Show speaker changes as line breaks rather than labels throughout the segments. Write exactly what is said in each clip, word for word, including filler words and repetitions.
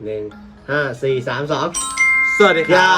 หนึ่งห้าสี่สามสอง
สวัสดีครับ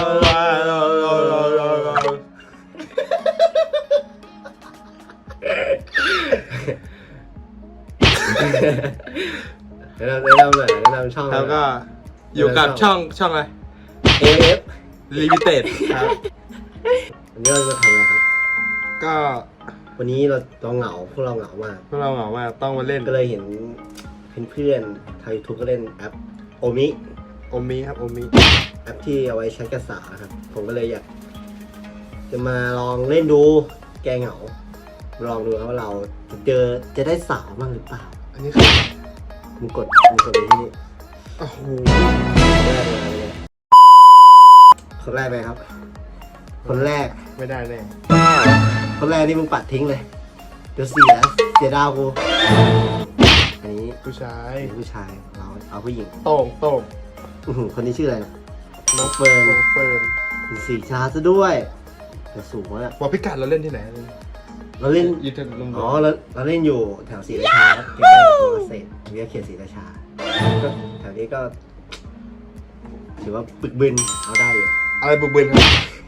แนะนำแนะนำหน่อยแนะนำช่อง
แล้วก็อยู่กับช่องช่องอะไร
เอ เอฟ
Limited ครับ
วันนี้เราจะมาทำอะไรครับ
ก็
วันนี้เราเราเหงาพวกเราเหงามาก
พวกเราเหงามากต้องมาเล่น
ก็เลยเห็นเพื่อนๆทางยูทูบก็เล่นแอปโอมิ
โอมิครับโอมิ
แอปที่เอาไว้แชทกระสาครับผมก็เลยอยากจะมาลองเล่นดูแกเหงาลองดูครับว่าเราจะเจอจะได้สาวบ้างหรือเปล่า
อันนี้คือ
มึงกดมึงกดไปที่นี่
โอ้โห
แรกเลยคนแรกไปครับ คนแรก
ไม่ได้แน่
คนแรกนี่มึงปัดทิ้งเลยเดี๋ยวเสียเสียดาวกูอันนี้
ผู้ชาย
ผู้ชายเราเอาผู้หญิง
โต่งโต่ง
อื้อหือคนนี้ชื่ออะไรนะ
น้องเฟิร์นน้องเฟิร์น
สีชาซะด้วยแต่สูงมาก
บอกพิกัดเราเล่นที่ไหน
เราเล่น
ยูทูบลง
อ๋อเราเราเล่นอยู่แถวศรีราชาครับใกล้ๆกับเกษตรวิทยาเขตศรีราชาก็แถวนี้ก็ถือว่าปึกบึนเอาได้อยู่
อะไรบุกเบินครับ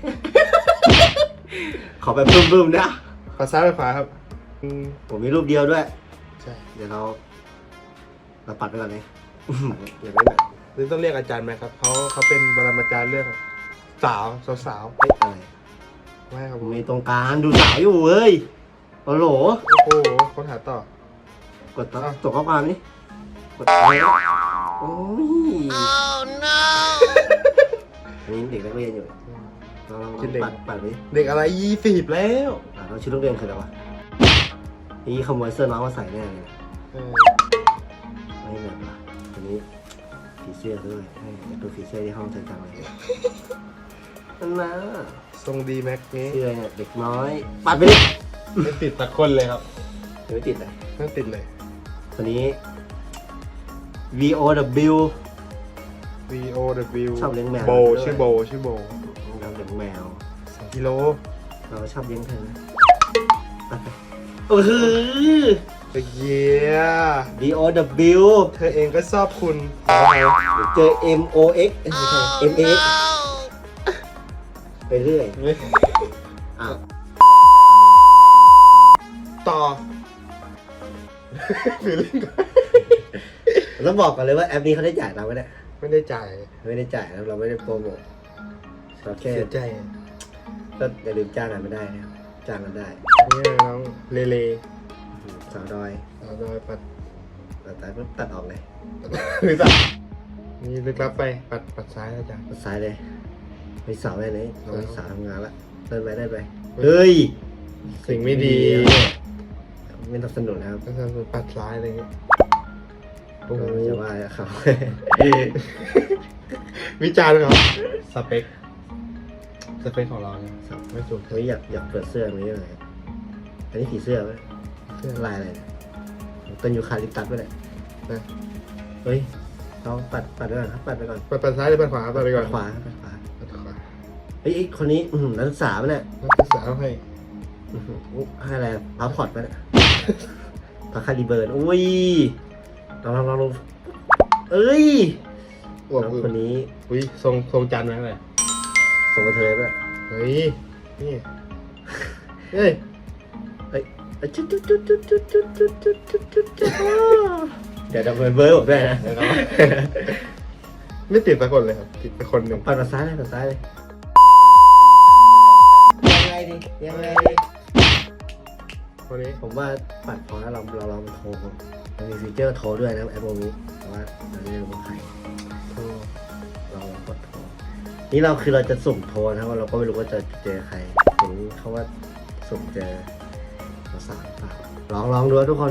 ขอแบบบึ้มๆนะ
ขวาซ้ายไปขวาครับอืม
ผมมีรูปเดียวด้วย
ใช่
เดี๋ยวเราเราปัดไปก่อนเลยเดี๋ยวไม่แบบ
นี่ต้องเรียกอาจารย์ไหมครับเขาเขาเป็นบรมาจารย์เรื่องสาวสาวสาว
เอ๊ะอะไร
ไม่ครับ
ผ
ผม ม
มีตรงกลางดูสาวอยู่เว้ยโอ้โห
โอ้โหค้นหาต่อก
ดตัวตัวข้อความนี่กดอะไรโอ้ย
Oh no
อันนี้เด็กนักเรียนอยู่เราลองปัดปัดไป
เด็กอะไรยี่สิบแล้ว
อ่าเราชุดนักเรียนคืออะไรวะนี่ขโมยเสื้อน้องมาใส่แน่เลย
เออ
ไม่แบบว่ะอันนี้ผีเสื้อด้วยให้ดูผีเสื้อที่ห้องเธอจังเลยนั่นนะ
ทรงดีแม็กนี้
เสื้อเนี่ยเด็กน้อยปัดไปดิ
ไม่ติดตะคนเลยครับ
เดี๋ยวไม่ติดเลย
ไม่ติดเลย
คนนี้ V O W
V O W
ชอบเลี้ยงแมว
โบ
ด้วย
ชื่อโบชื่อโบ
เราเลี้ยงแมว
สองกิโล
เราชอบเลี้ยงเธอนะปัดไปโอ้โห
เยีย
V O W
เธอเองก็ชอบคุณ
เจอ M O X เอ้ยไม่ใช่ M A X ไปเรื่อยอ้าว
ต่อฟิลลิ่ง
ต้องบอกก่อนเลยว่าแอปนี้เขาได้จ่ายเราไหมเนี่ย
ไม่ได้จ่าย
ไม่ได้จ่ายนะเราไม่ได้โปรโมทเราแค่
เสียใจ
ก็อย่าลืมจ้างกันไม่ได้นะครับจ้างกันได้
นี่น้องเลเล
สาวดอย
เอาโดยปัด
แต่แต่ก็ตัดออกเลย
หรือสักนี่ลึกลับไปปัดปัดซ้ายแล้วจ้ะ
ตัดซ้ายเลยไปสาวไปไหนน้องสาวทำงานละเดินไปได้ไป
เฮ้
เฮ้ย
สิ่งไม่ดี
ไม่ต้องสนุนนะครับ
ก็จะปัดซ้ายอะไรเงี้ยโอ้โห
เราจะว่าเขา
วิจารณ์เขาสเปคสเปคของเราเนี่ยไม่ถูก
เฮ้ยอยากอยากเปิดเสื้อตรงนี้เลยอันนี้ผีเสื้อไหม
เสื้อ
ลายอะไรเนี่ยต้นยูคาลิปตัสไปเลย
นะ
เฮ้ยเราปัดปัดไปก่อนครับปัดไปก่อน
ปัดปัดซ้ายหรือปัดขวาปัดไปก่อน
ขวาปัดขวา
ปัดขวา
เฮ้ยไอ้คนนี้อื้อหือนักศึกษาปะเนี่ย
แล้วก็สาวให้
อื้อหืออุ๊ยให้อะไรพาพอร์ตปะเนี่ยพาคาริเบิร์นอุ้ยลองลองลองลองเอ้ย
อวบ
น้อง
อึ
คนนี้
อุ้ยทรงทรงจันทร์ไหมเลย
ส่งกระเทยปะ
เฮ้ยนี่เฮ้ย
เฮ้ยจุดจุดจุดจุดจุดจุดจุดจุดจุดจุดจุดเดี๋ยวดับเบิลเบอร์ผมด้วยนะ
ไม่ติดสักคนเลยครับติดไปคนหนึ่ง
ปัดมาซ้ายเลยปัดซ้ายเลยยังไงดียังไงดี
คนนี้
ผมว่าปัดพอแล้วเราเราลองโทรมันมีฟีเจอร์โทรด้วยนะแอปโมนี้แต่ว่าเราไม่รู้ว่าใคร
โทร
เราลองกดโทรนี่เราคือเราจะสุ่มโทรนะว่าเราก็ไม่รู้ว่าจะเจอใครถึงเขาว่าสุ่มเจอสาวๆเปล่าลองลองดูทุกคน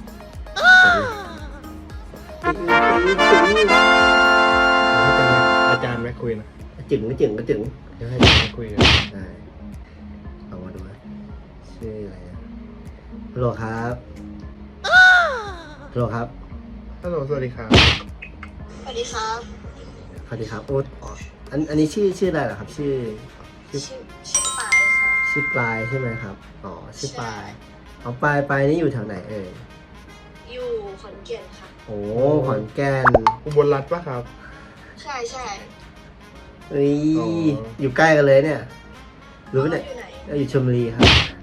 อาจารย์ไม่คุยนะ
จึงก็จึงก็จึง
เดี๋ยวให้อาจารย์ไม่คุยกัน
ได้เอามาดูนะชื่ออะไรนะฮัลโหลครับฮัลโหลครับ
ฮัลโหลสวัสดีครับ
สวัสดีครับ
สวัสดีครับโอ้อ๋ออันอันนี้ชื่อชื่ออะไรเหรอครับ ชื่อชื่อ
ชื่อชื่อปายค่ะ
ชื่อปลายใช่ไหมครับอ๋อชื่อปลายอ๋อปลายปลายนี่อยู่แถวไหนเอ่ย
อยู่ขอนแก่นค่ะ
โอ้ขอนแก่น
อุบลรัตน์ปะครับ
ใช่ใช่
เฮ้ย
อ๋อ
อ
อ
ยู่ใกล้กันเลยเนี่ย รู้ไหม
อ
เนี่ย
ยู่ไหน
เราอยู่ชลบุรีครับ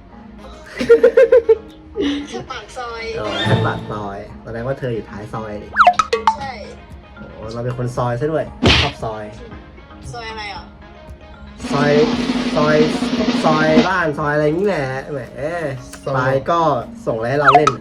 แค่ปากซอย
อ๋อแค่ปากซอยแสดงว่าเธออยู่ท้ายซอยดิ
ใช่
โอ้เราเป็นคนซอยซะด้วยชอบซอย
ซอยอะไรอ่ะ
ซอย ซอย ซอยบ้านซอยอะไรนี่แหละแหมไปก็ส่งอะไรให้เราเล่น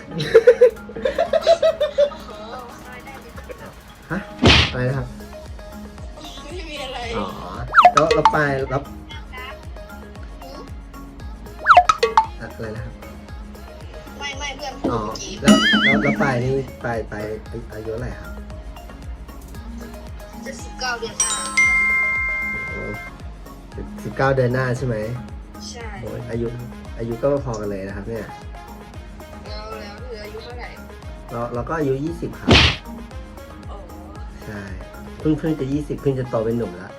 โอ้โหซอยได้ดิ
ฮะ อะไรนะครับ
ไม่มีอะไร
อ๋อ แล้วเราไปรับ
หือ
อะไรนะครับ
ไม่ไม่เพื่อนพูด
อ๋อ
เมื่อกี้
แล้วแล้วแล้วไปนี่ไปไปอายุเท่าไหร่ครับ
จะสิบเก้าเดือนหน้า
สิบเก้าเดือนหน้าใช่ไหม
ใช่
โอ้ยอายุอายุก็พอกันเลยนะครับเนี่ย
แล้วแล้วเหลืออายุเท่าไหร่
เราเราก็อายุยี่สิบครับ
โอ้
ใช่ เพิ่งเพิ่งจะยี่สิบเพิ่งจะโตเป็นหนุ่มแล้ว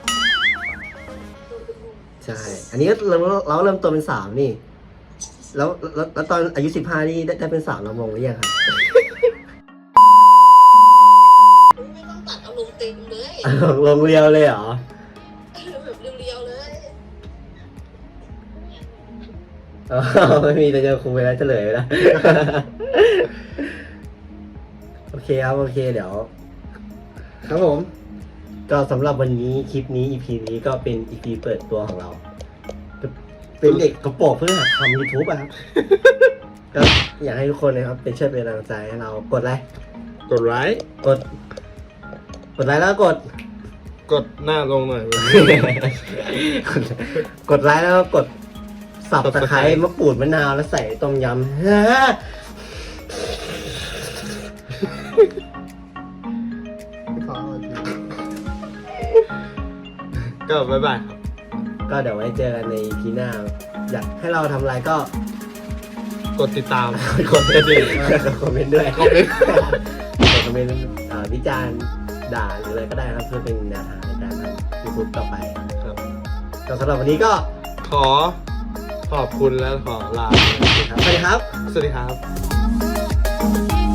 ใช่ อันนี้ก็เราเราเริ่มโตเป็นสาวนี่ แล้วแล้วแล้วตอนอายุสิบห้านี่ได้ได้เป็นสาวลำวงหรือยังครับ
ไม่ต้องตัดเอาลงเต็มเลย
ลงเรียวเลยเหรอ
แบบเรียวๆเลย
อ๋อไม่มีแต่เจอครูไปแล้วเฉลยไปแล้ว โอเคครับ โอเค เดี๋ยว ครับผม ก็สำหรับวันนี้คลิปนี้ อี พี นี้ก็เป็น อี พี เปิดตัวของเรา เป็นเด็กกระโปรงเพื่อหัดทำ ยูทูบอะครับ ก็อยากให้ทุกคนนะครับ เป็นช่วยเป็นกำลังใจให้เรากดไลค์
กดไลค์
กด กดไลค์แล้วก็กด
กดหน้าลงหน่อย
กดไลค์แล้วก็กดสับตะไคร้
Subscribe
มะกรูดมะนาวแล้วใส่ต้มยำ
ก็บ๊ายบายครับ
ก็เดี๋ยวไว้เจอกันใน อี พี หน้า อยากให้เราทำอะไรก็
กดติดตาม
กดกระดิ่งกดคอมเมนต์ด้วย
คอมเมนต์
กดคอมเมนต์อ่าวิจารณ์ด่าหรืออะไรก็ได้ครับเพื่อเป็นแนวทางในการทำ ยูทูบ ต่อไป
ครับ
ก็สำหรับวันนี้ก็
ขอขอบคุณและขอลา
สวัสดีครับ
สวัสดีครับ